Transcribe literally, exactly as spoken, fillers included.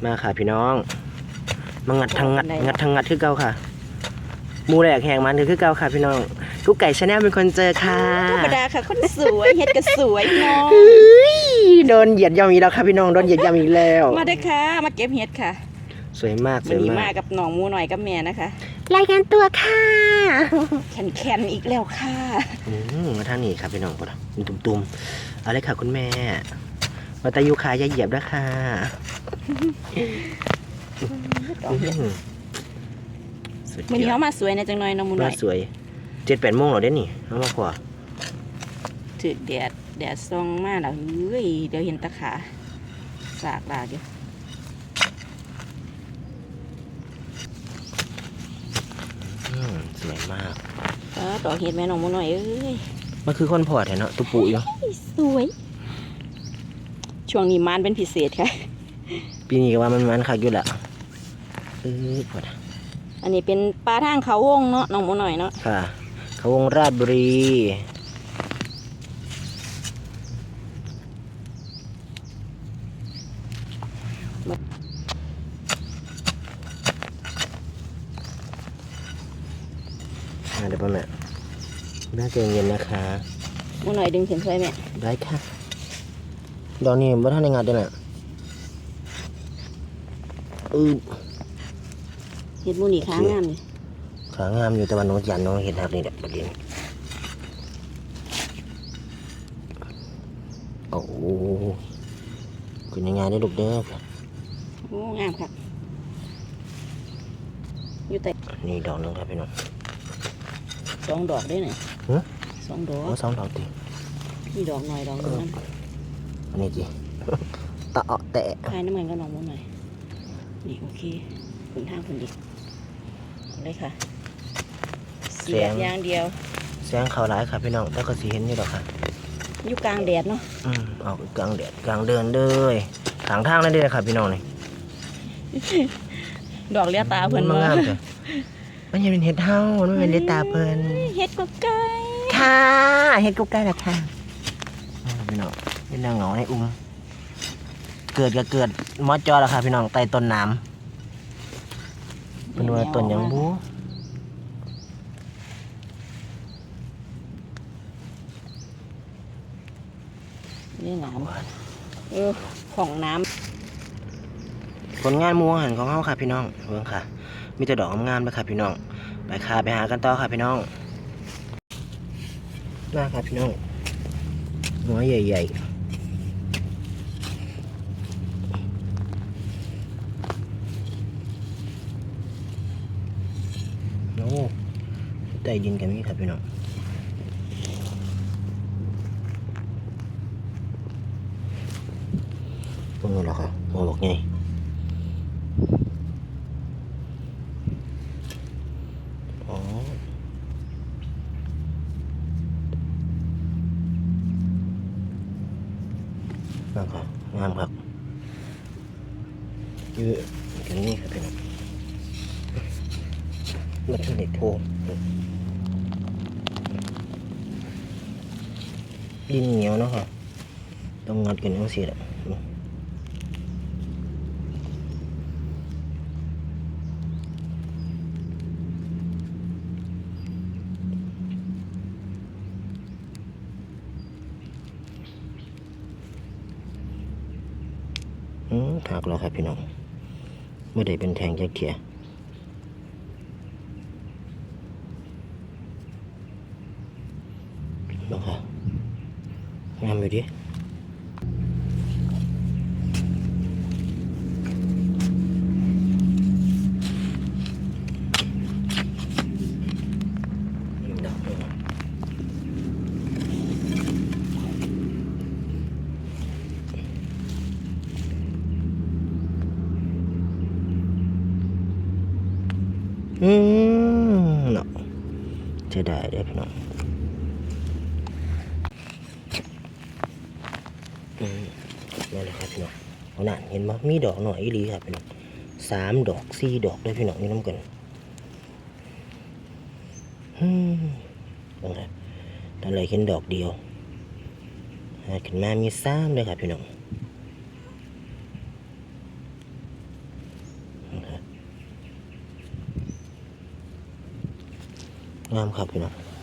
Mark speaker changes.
Speaker 1: มาค่ะพี่น้องมางัดทางงัดงัดทางงัดคือเก่าค่ะมูแหลกแหงมันคือเก่าค่ะพี่น้องกุ๊กไก่ชาแนลเป็นคนเจอค่ะ
Speaker 2: ธรรมดาค่ะคนสวยเฮ็ดก็สวยน้อง
Speaker 1: โดนเหยียดยำอีกแล้วค่ะพี่น้องโดนเหยียดยำอีกแล้ว
Speaker 2: มาได้ค่ะมาเก็บเฮ็ดค่ะ
Speaker 1: สวยมากสวยมาก
Speaker 2: มากับน้องมูหน่อยกับแม่นะคะ
Speaker 1: รายงานตัวค่ะ
Speaker 2: แคนแคนอีกแล้วค่ะ
Speaker 1: อืมมาทางนี้ครับพี่น้องก่อนมีตุ่มๆเอาเลยค่ะคุณแม่มาตายูคาอย่าเหยียบนะค่ะ
Speaker 2: มันนี้เขามาสวยนะจังหน่อยน้องมูหน่อย
Speaker 1: สวยเจ็ดแปดโมงเหรอเด้นี่น้องมาพอ
Speaker 2: ถือแดดแดดส่องมากแล้วเฮ้ยเดี๋ยวเห็นตะขาสากลาเดี๋ยว
Speaker 1: สวยมาก
Speaker 2: เออต่อเห็ดแม่น้องมูหน่อยเอ้ย
Speaker 1: มันคือคนพอดเนาะตุปูอยู่
Speaker 2: สวยช่วงนี้มันเป็นพิเศษค่ะ
Speaker 1: ปีนี้ก็ว่ามันมันคักอยู่แหละเออพอด
Speaker 2: อันนี้เป็นปลาทางเขาวงเนาะน้องมูหน่อยเนาะ
Speaker 1: ค่ะเขาวงราชบุรีเดี๋ยวพ่อแม่น่าจะเย็นนะคะ
Speaker 2: มูหน่อยดึงเข็มช่วยแม่
Speaker 1: ได้ค่ะดอกนี้บ่ทันได้งัดเลยแหละอือ
Speaker 2: เห็ดมูนี่ขางามเลย
Speaker 1: ขางามอยู่แต่ว่าน้องยันน้องเห็นหักนี่แหละประเด็นโอ้คุณยังไงได้ลูกเด้อ
Speaker 2: โอ้งามครับอยู่แต่
Speaker 1: นี่ดอกนึงครับพี่น้อง
Speaker 2: สองดอกได้ไหนสองดอก
Speaker 1: สองดอกตี
Speaker 2: นี่ดอกหน่อยดอกนึงนั่น
Speaker 1: อันนี้จีตะเาะแตะ
Speaker 2: คลายน้ำมันก็ลองมุ้งหน่อยนี่โอเคขุนทางขุนดิเลยค่ะเสียบยางเดียว
Speaker 1: แสงเขาร้ายค่ะพี่น้องแล้วก็สีเห็นอยู่ดอกค่ะ
Speaker 2: อยู่กลางแดดเนาะ
Speaker 1: อืมออกกลางแดดกลางเดินเลยทางทางนั่นเด้ค่ะพี่น้องนี่
Speaker 2: ดอกเลี้ยตาเพิ่น
Speaker 1: มางามจ้ะมันยังเป็นเห็ดเท่ามันเป็นเลี้ยตาเพิ่น
Speaker 2: เห็ดกุ๊กไก่
Speaker 1: ค่ะเห็ดกุ๊กไก่ละค่ะพี่น้องเป็นนางเหงาในอุ้มเกิดก็เกิดมอจอแล้วค่ะพี่น้องใต้ต้นน้ำเป็นว่าต้นยังบู
Speaker 2: นี่น้ำเออของน้
Speaker 1: ำผลงานมัวหันของเขาค่ะพี่น้องเบิ่งค่ะมีแต่ดอกงามๆเลยค่ะพี่น้องไปค่ะไปหากันต่อค่ะพี่น้องมาค่ะพี่น้องหัวใหญ่ๆโอ้ใต้ดินกันนี่ครับพี่น้องพวกนี้เหรอครับหัวบอกไงอ๋อนั่นครับงามครับยืดกันนี่ครับพี่น้องมันเป็นเด็กโพดินเหนียวเนาะค่ะต้องงัดกันต้องเสียแหละอืมหักแล้วครับพี่น้องไม่ได้เป็นแทงจักเขียนะคะงามอยู่ดิอืมเนาะจะได้ได้พี่น้องอืมนี่แหละครับพี่น้องเอาหน่าเห็นไหมมีดอกหน่อยอีหลีครับพี่น้องสามดอกสี่ดอกด้วยพี่น้องนี่น้ำกันอืมบังครับตอนแรกเห็นดอกเดียวหาขึ้นมามีสามเลยครับพี่น้องงามครับพี่น้อง